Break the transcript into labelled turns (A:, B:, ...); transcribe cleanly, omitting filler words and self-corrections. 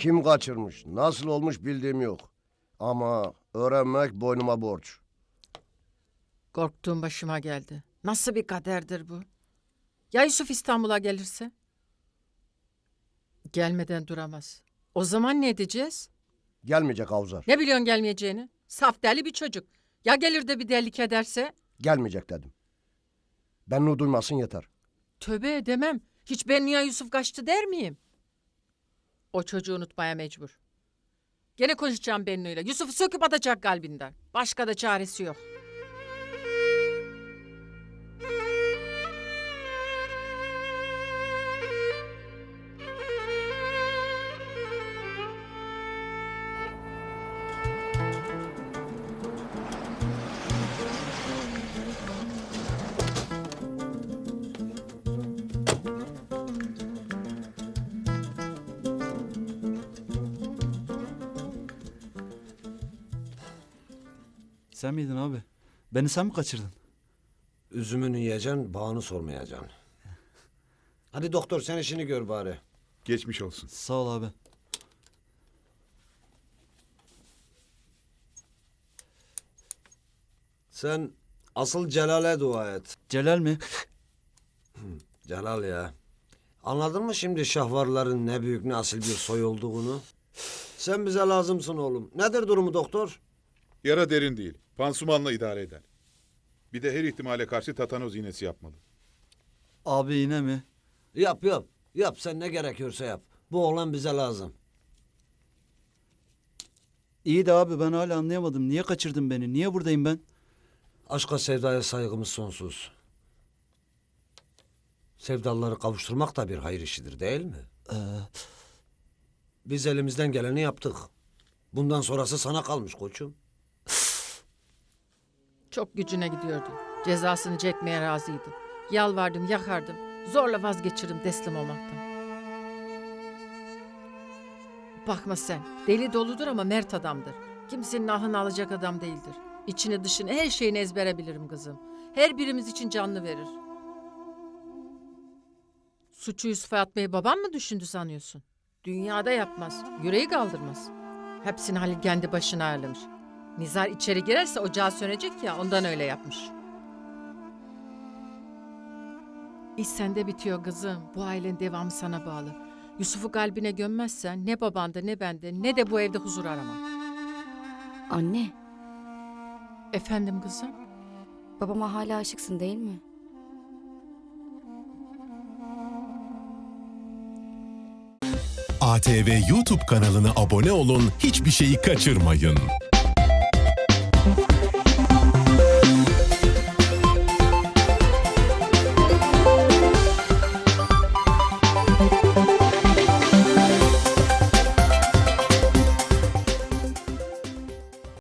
A: Kim kaçırmış, nasıl olmuş bildiğim yok. Ama öğrenmek boynuma borç.
B: Korktuğum başıma geldi. Nasıl bir kaderdir bu? Ya Yusuf İstanbul'a gelirse? Gelmeden duramaz. O zaman ne edeceğiz?
A: Gelmeyecek Avzar.
B: Ne biliyorsun gelmeyeceğini? Saf deli bir çocuk. Ya gelir de bir delilik ederse?
A: Gelmeyecek dedim. Bennu duymasın yeter.
B: Tövbe edemem. Hiç ben niye Yusuf kaçtı der miyim? O çocuğu unutmaya mecbur. Gene konuşacağım Bennu'yla. Yusuf'u söküp atacak kalbinden. Başka da çaresi yok.
C: Sen miydin abi? Beni sen mi kaçırdın?
D: Üzümünü yiyeceksin, bağını sormayacaksın. Hadi doktor sen işini gör bari.
E: Geçmiş olsun.
C: Sağ ol abi.
D: Sen asıl Celal'e dua et.
C: Celal mi?
D: Celal ya. Anladın mı şimdi şahvarların ne büyük ne asil bir soy olduğunu? Sen bize lazımsın oğlum. Nedir durumu doktor?
E: Yara derin değil. Pansumanla idare eder. Bir de her ihtimale karşı tatanoz iğnesi yapmalı.
C: Abi yine mi?
D: Yap yap. Yap sen ne gerekiyorsa yap. Bu oğlan bize lazım.
C: İyi de abi ben hala anlayamadım. Niye kaçırdın beni? Niye buradayım ben?
D: Aşka sevdaya saygımız sonsuz. Sevdalıları kavuşturmak da bir hayır işidir değil mi? Biz elimizden geleni yaptık. Bundan sonrası sana kalmış koçum.
B: Çok gücüne gidiyordu. Cezasını çekmeye razıydı. Yalvardım, yakardım. Zorla vazgeçirdim teslim olmaktan. Bakma sen. Deli doludur ama mert adamdır. Kimsenin ahını alacak adam değildir. İçini dışını her şeyini ezbere bilirim kızım. Her birimiz için canlı verir. Suçu Yusuf'a atmayı babam mı düşündü sanıyorsun? Dünyada yapmaz. Yüreği kaldırmaz. Hepsini Halil kendi başına ayarlamış. Nizar içeri girerse ocağı sönecek ya ondan öyle yapmış. İş sende bitiyor kızım. Bu ailenin devamı sana bağlı. Yusuf'u kalbine gömmezsen ne babanda ne bende ne de bu evde huzur aramam.
F: Anne,
B: Efendim kızım?
F: babama hala aşıksın değil mi?
G: ATV YouTube kanalına abone olun, hiçbir şeyi kaçırmayın.